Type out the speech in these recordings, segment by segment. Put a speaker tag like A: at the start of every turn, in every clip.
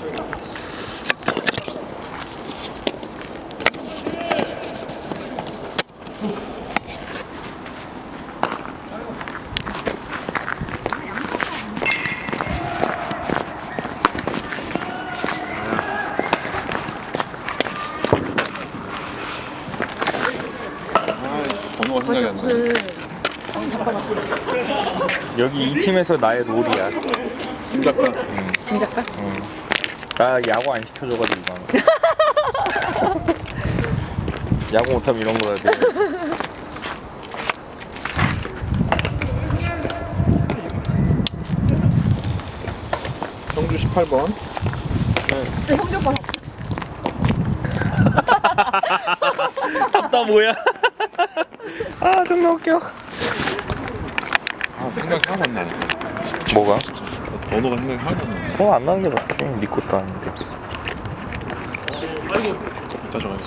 A: 번호가 생각이 안 나.
B: 무슨 작가 같아.
C: 여기 이 팀에서 나의 롤이야.
A: 김 작가.
B: 김 작가?
C: 나 야구 안 시켜줘가지고 이거. 야구 못하면 이런 거 해야 돼.
A: 성주 18번.
B: 진짜 형제 오빠.
C: 답다 뭐야? 아 존나 웃겨.
A: 아, 생각이 하나도 안 나네.
C: 뭐가?
A: 번호가 생각이 하나도 안 나네.
C: 안 나는 게 낫지. 네 것도 아닌데.
A: 이따 정해.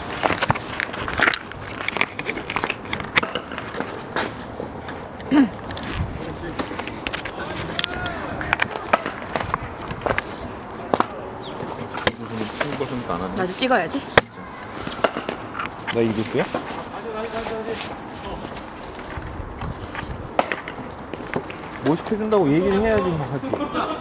A: 안 한다.
B: 나도 찍어야지.
C: 나 이겼어요? 뭐 시켜준다고 얘기를 해야지 뭐 하지.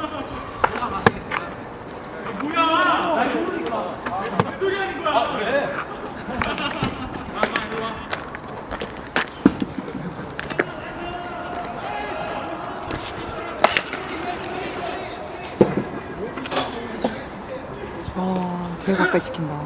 B: 와, 되게 가까이 찍힌다.